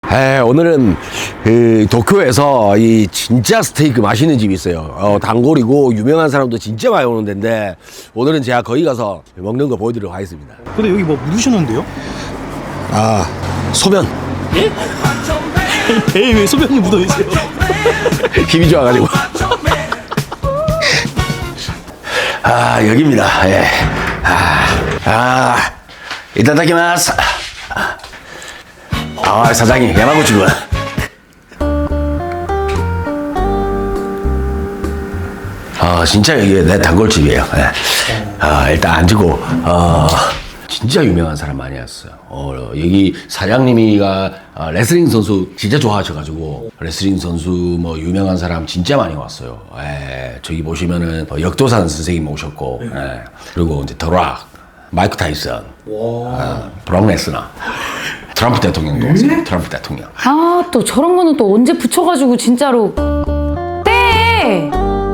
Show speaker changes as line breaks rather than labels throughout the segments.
오늘은 그 도쿄에서 이 진짜 스테이크 맛있는 집이 있어요. 단골이고 유명한 사람도 진짜 많이 오는 데인데 오늘은 제가 거기 가서 먹는 거 보여드리도록 하겠습니다.
근데 여기 뭐 묻으셨는데요?
아, 소면.
예? 배에 왜 소변이 묻어있어요?
힘이 좋아가지고. 아, 여기입니다. 예. 이타다키마스. 사장님, 야마구치군. 진짜 여기 내 단골집이에요. 예. 일단 앉고, 진짜 유명한 사람 많이 왔어요. 여기 사장님이가 레슬링 선수 진짜 좋아하셔가지고 레슬링 선수 뭐 유명한 사람 진짜 많이 왔어요. 저기 보시면은 역도산 선생님 오셨고, 그리고 이제 더락, 마이크 타이슨, 브록 레스너, 트럼프 대통령도 왔어요. 트럼프 대통령.
또 저런 거는 또 언제 붙여가지고 진짜로 떼!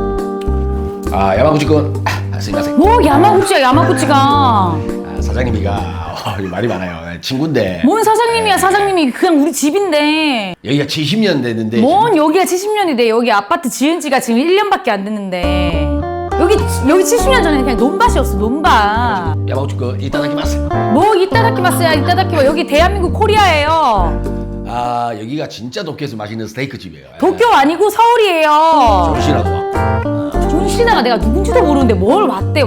야마구치군. 스미마셍.
뭐 야마구치야 야마구치가.
사장님이가 말이 많아요. 친구인데.
뭔 사장님이야 사장님이 그냥 우리 집인데.
여기가 70년 됐는데.
뭔 여기가 70년이 돼. 여기 아파트 지은 지가 지금 1년밖에 안 됐는데. 여기 70년 전에는 그냥 논밭이었어 논밭.
야마구치군 이타다키마스.
뭐 이따다키마스야 이따다키마. 여기 대한민국 코리아예요.
여기가 진짜 도쿄에서 맛있는 스테이크 집이에요.
도쿄 아니고 서울이에요.
정신하고 와.
존 시나가 내가 누군지도 모르는데 뭘 왔대.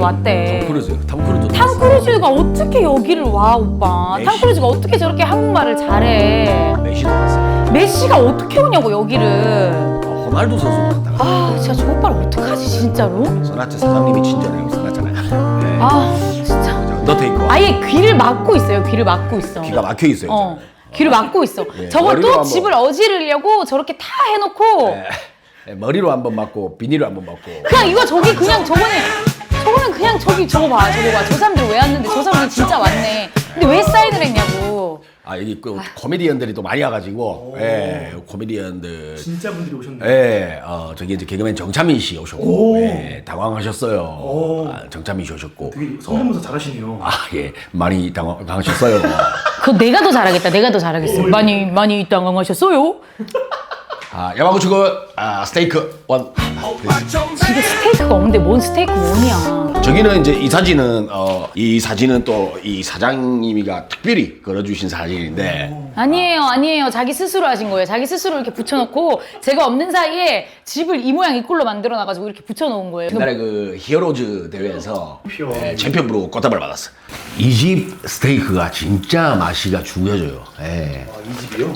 탐 크루즈가 어떻게 여기를 와 오빠.
메시.
탐 크루즈가 어떻게 저렇게 한국말을 잘해.
메시도 왔어요.
메시가 어떻게 오냐고 여기를.
호날두 선수도 왔다가.
진짜 저 오빠를 어떡하지 진짜로?
소나트 사장님이 친절해요. 소나트잖아요.
진짜
언더테이커.
아예 귀를 막고 있어요. 귀를 막고 있어.
귀가 막혀 있어요.
귀를 막고 있어.
예,
저거
머리로
또
한번.
집을 어지르려고 저렇게 다 해놓고
머리로 한번 맞고 비닐로 한번 맞고.
그냥 이거 저기 그냥 저거는 그냥 저거 봐. 저 사람들 왜 왔는데 저 사람들 진짜 왔네. 근데 왜 사인을 했냐고.
여기 코미디언들이 또 많이 와가지고. 코미디언들.
진짜 분들이 오셨네요.
저기 이제 개그맨 정찬민 씨 오셨고. 당황하셨어요. 정찬민 씨 오셨고.
되게 성대모사 잘하시네요.
많이 당황하셨어요.
그거 내가 더 잘하겠다. 내가 더 잘하겠어. 많이 당황하셨어요?
야마구치군 스테이크 원.
집에 스테이크가 없는데 뭔 스테이크 원이야.
저기는 이제 이 사진은 또 이 사장님이가 특별히 걸어주신 사진인데.
아니에요. 자기 스스로 하신 거예요. 자기 스스로 이렇게 붙여놓고 제가 없는 사이에 집을 이 모양 이 꼴로 만들어놔가지고 이렇게 붙여놓은 거예요.
옛날에 그 히어로즈 대회에서 챔피언으로 꽃다발 받았어. 이 집 스테이크가 진짜 맛이가 죽여져요.
이 집이요?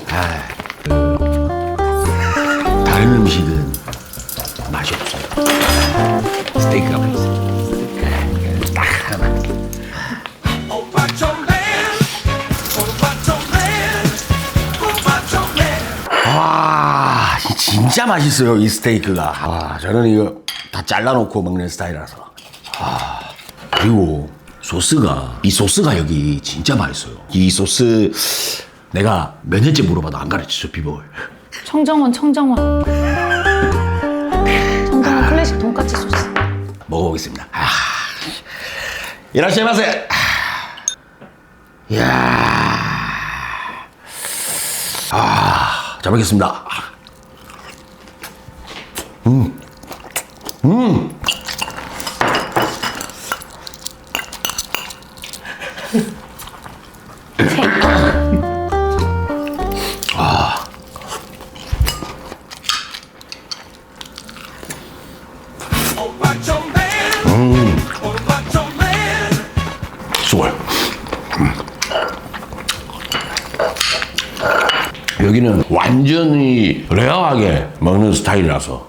다른 음식은 맛이 없어요. 스테이크가 맛있어요. 딱 하나. 진짜 맛있어요, 이 스테이크가. 저는 이거 다 잘라놓고 먹는 스타일이라서. 그리고 이 소스가 여기 진짜 맛있어요. 이 소스 내가 몇 년째 물어봐도 안 가르쳐줘, 비법을.
청정원 클래식 돈까스 소스.
먹어보겠습니다. 이라시마세. 이야. 잘 먹겠습니다. 수월. 여기는 완전히 레어하게 먹는 스타일이라서.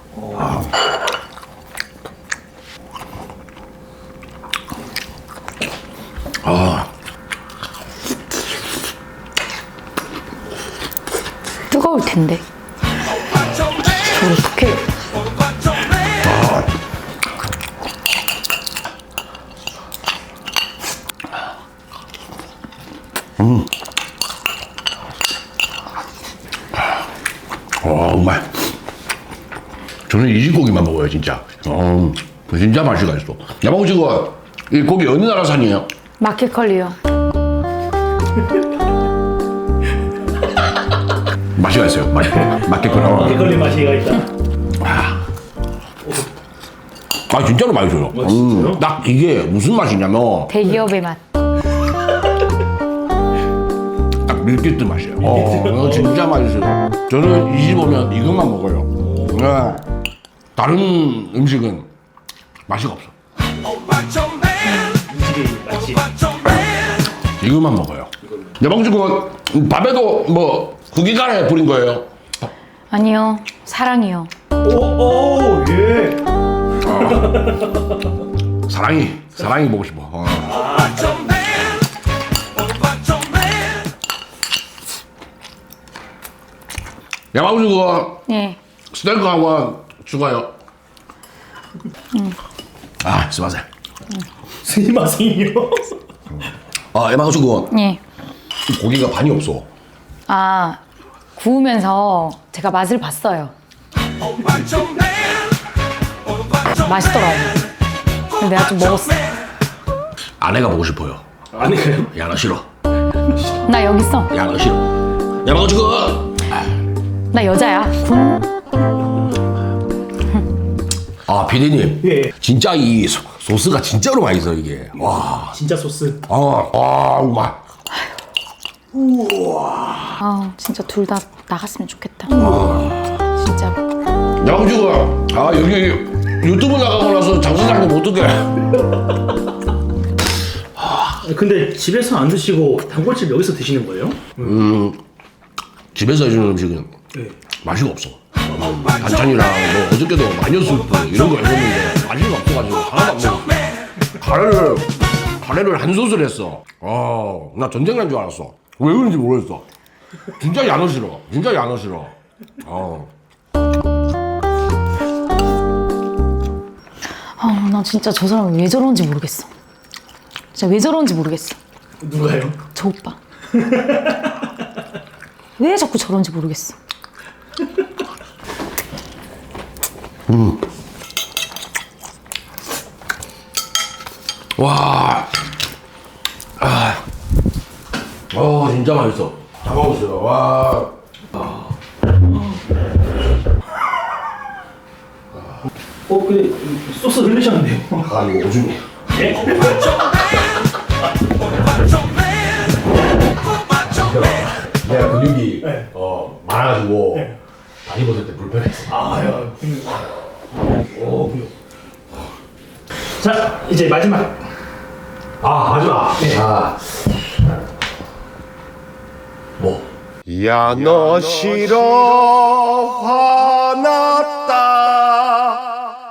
뜨거울 텐데. 어떡해.
정말. 저는 이 집 고기만 먹어요, 진짜. 진짜 맛이가 있어. 야마구치가 이 고기 어느 나라 산이에요?
마켓컬리요.
맛이가 있어요. 맛있겠구나.
막걸리 맛이가 있다.
아 진짜로 맛있어요.
진짜요?
딱 이게 무슨 맛이냐면
대기업의 맛.
딱 밀키트 맛이에요. 이거 진짜 맛있어요. 저는 이 집 오면 이것만 먹어요. 네. 다른 음식은 맛이 없어.
음식이 맛이.
이것만 먹어요. 내방주국은 밥에도 뭐 국이간에 뿌린 거예요.
아니요, 사랑이요.
오, 예.
사랑이 보고 싶어. 야방주국은
예.
스테이크 한번 추가요. 아, 스마세.
스미마셍요.
아, 야방주국은
예.
고기가 반이 없어.
아, 구우면서 제가 맛을 봤어요. 맛있더라고. 근데 내가 좀 먹었어.
아내가 보고 싶어요.
아니에요?
야, 너 싫어.
나 여기 있어.
야, 너 싫어. 야방주국.
나 여자야. 군.
아, 피디님.
예.
진짜 이 소스가 진짜로 맛있어 이게. 와.
진짜 소스.
맛.
아, 진짜 둘 다 나갔으면 좋겠다. 진짜로.
야방주국. 아, 여기 유튜브 나가고 나서 장사장님 어떡해.
근데 집에서 안 드시고 단골집 여기서 드시는 거예요?
집에서 해주는 음식은
네.
맛이 없어. 반찬이랑 뭐 어저께도 마녀 수프 이런 거 해줬는데 맛이 없어가지고 하나도 안 먹었어. 카레를 한 솥을 했어. 나 전쟁 난 줄 알았어. 왜 그런지 모르겠어. 진짜 야너 싫어. 진짜 야너 싫어.
아, 나 진짜 저 사람 왜 저러는지 모르겠어. 진짜 왜 저러는지 모르겠어.
누가요?
저 오빠. 왜 자꾸 저러는지 모르겠어.
와. 진짜 맛있어. 다 먹었어요. 와.
근데 소스 흘리셨는데요?
이거 오줌이.
예?
내가 근육이
네.
많아가지고 다리 벗을 때 불편했어.
아유. 자, 이제 마지막.
마지막.
네.
뭐?
야 너 싫어